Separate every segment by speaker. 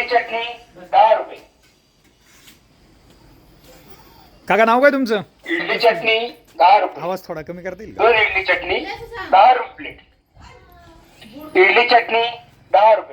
Speaker 1: चटणी 10 रुपये.
Speaker 2: काका नाव काय तुमचं?
Speaker 1: इडली चटणी 10 रुपये.
Speaker 2: आवाज थोडा कमी करता येईल का?
Speaker 1: 2 इडली चटणी 10 रुपये प्लेट. इडली चटणी 10 रुपये.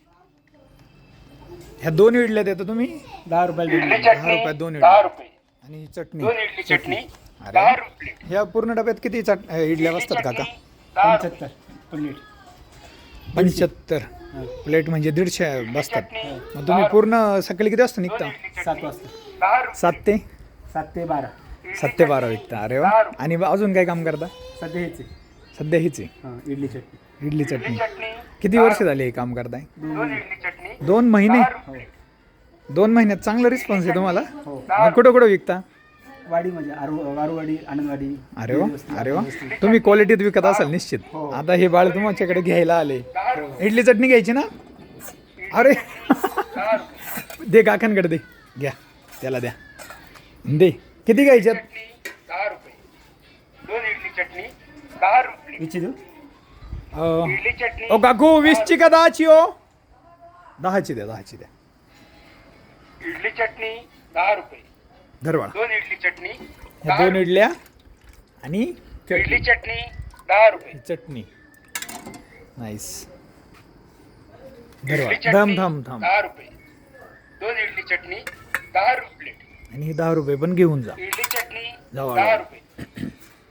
Speaker 2: ह्या 2 इडल्या देता तुम्ही
Speaker 3: 10 रुपयाला
Speaker 1: इडली
Speaker 2: 10
Speaker 1: चटणी
Speaker 2: रुपयात 2
Speaker 1: 10
Speaker 2: इडल्या
Speaker 1: रुपये.
Speaker 2: आणि चटणी
Speaker 1: 2 इडली चटणी
Speaker 2: अरे.
Speaker 1: 10 रुपये प्लेट.
Speaker 2: ह्या पूर्ण डब्यात किती इडल्या बसतात काका?
Speaker 1: 10 रुपये.
Speaker 3: 75 प्लेट.
Speaker 2: 75 प्लेट म्हणजे 150 बसतात. मग तुम्ही पूर्ण सकाळी किती वाजता निघता?
Speaker 3: 7 वाजता
Speaker 1: 10 रुपये.
Speaker 2: 7 ते
Speaker 3: 7 ते 12
Speaker 2: 7 ते 12 विकता. अरे वा. आणि अजून काय काम करता?
Speaker 3: सध्या हेच आहे.
Speaker 2: सध्या हीच आहे
Speaker 3: हां इडली चटणी.
Speaker 2: इडली चटणी.
Speaker 1: चटणी
Speaker 2: किती वर्ष झाली हे काम करताय?
Speaker 1: 2 इडली चटणी
Speaker 2: 2 महिने.
Speaker 1: 10 रुपये.
Speaker 2: 2 महिन्यात चांगला रिस्पॉन्स आहे तुम्हाला.
Speaker 3: हो
Speaker 2: मग कुठं कुठं विकता?
Speaker 3: वाडी म्हणजे वारूवाडी आनंदवाडी.
Speaker 2: अरे वा. अरे वा. तुम्ही क्वालिटीत विकत असाल निश्चित. आता हे बाळ तुमच्याकडे घ्यायला आले. इडली चटणी घ्यायची ना? अरे दे काकांकडे दे. घ्या त्याला द्या. दे. किती घ्यायच्यात?
Speaker 1: 10 रुपये. 2 इडली चटणी 10 रुपये.
Speaker 3: विची देऊ.
Speaker 1: इडली चटणी
Speaker 2: ओ काकू 20ची का 10ची हो? 10ची द्या 10ची द्या.
Speaker 1: इडली चटणी 10 रुपये.
Speaker 2: धरवाळ.
Speaker 1: 2 इडली चटणी
Speaker 2: ह्या 2 इडल्या आणि
Speaker 1: इडली चटणी 10 रुपये.
Speaker 2: चटणी. नाईस.
Speaker 1: इडली
Speaker 2: धरवाळ.
Speaker 1: चटणी
Speaker 2: थांब थांब थांब.
Speaker 1: 10 रुपये. 2 इडली चटणी 10 रुपये प्लेट.
Speaker 2: आणि हे 10 रुपये पण घेऊन जा.
Speaker 1: इडली चटणी
Speaker 2: जाऊ
Speaker 1: 10
Speaker 2: आला.
Speaker 1: रुपये.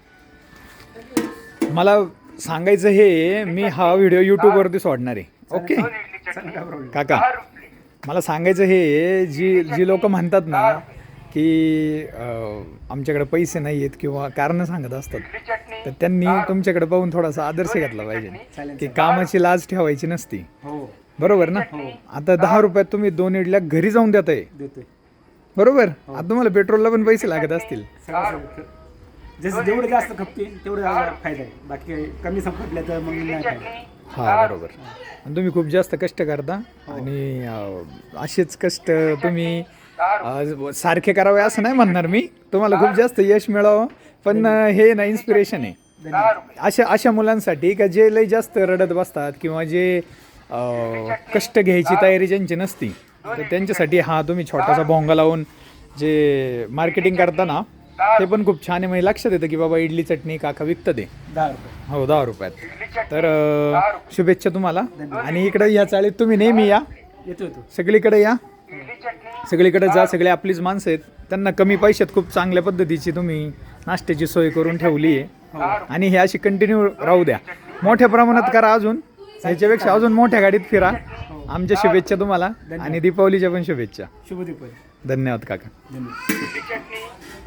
Speaker 2: मला सांगायचं हे मी हा व्हिडिओ यूट्यूबवरती सोडणार आहे. ओके
Speaker 1: 2 इडली चटणी
Speaker 3: काय प्रॉब्लेम.
Speaker 2: काका
Speaker 1: 10 रुपये.
Speaker 2: मला सांगायचं हे जी लोक म्हणतात ना की आमच्याकडे पैसे नाही आहेत किंवा कारणं सांगत असतात,
Speaker 1: इडली चटणी
Speaker 2: तर त्यांनी तुमच्याकडे पाहून थोडासा आदर्श घेतला पाहिजे
Speaker 3: चालेल
Speaker 2: की कामाची लाज ठेवायची नसती.
Speaker 3: हो
Speaker 2: बरोबर ना? आता 10 रुपयात तुम्ही 2 इडल्या घरी जाऊन देताय.
Speaker 3: देतोय.
Speaker 2: बरोबर. आता तुम्हाला पेट्रोलला पण पैसे लागत असतील.
Speaker 3: सगळं जसं जेवढं जास्त खपते तेवढं जास्त फायदा आहे. बाकी काही कमी संपटल्या तर मग नाही फायदा.
Speaker 2: हा बरोबर. आणि तुम्ही खूप जास्त कष्ट करता आणि असेच कष्ट तुम्ही सारखे करावे असं नाही म्हणणार मी. तुम्हाला खूप जास्त यश मिळावं. पण हे ना इन्स्पिरेशन आहे
Speaker 1: 10 रुपये.
Speaker 2: अशा मुलांसाठी का जे लय जास्त रडत बसतात किंवा जे कष्ट घ्यायची तयारी ज्यांची नसती, तर त्यांच्यासाठी हा तुम्ही छोटासा भोंगा लावून जे मार्केटिंग करता ना ते पण खूप छान आहे. म्हणजे लक्षात येतं की बाबा इडली चटणी काका विकतं ते.
Speaker 3: 10 रुपये.
Speaker 2: हो 10 रुपयात. तर शुभेच्छा तुम्हाला. आणि इकडे या चाळीत तुम्ही नेहमी या.
Speaker 3: येतो येतो.
Speaker 2: सगळीकडे या.
Speaker 1: इडली चटणी
Speaker 2: सगळीकडे जा. सगळे आपलीच माणसं आहेत. त्यांना कमी पैशात खूप चांगल्या पद्धतीची तुम्ही नाश्त्याची सोय करून ठेवली आहे. आणि हे अशी कंटिन्यू राहू द्या. मोठ्या प्रमाणात करा. अजून ह्याच्यापेक्षा अजून मोठ्या गाडीत फिरा. आमच्या शुभेच्छा तुम्हाला आणि दीपावलीच्या पण शुभेच्छा.
Speaker 3: शुभ दीपावली.
Speaker 2: धन्यवाद काका.
Speaker 3: धन्यवाद.
Speaker 1: इडली चटणी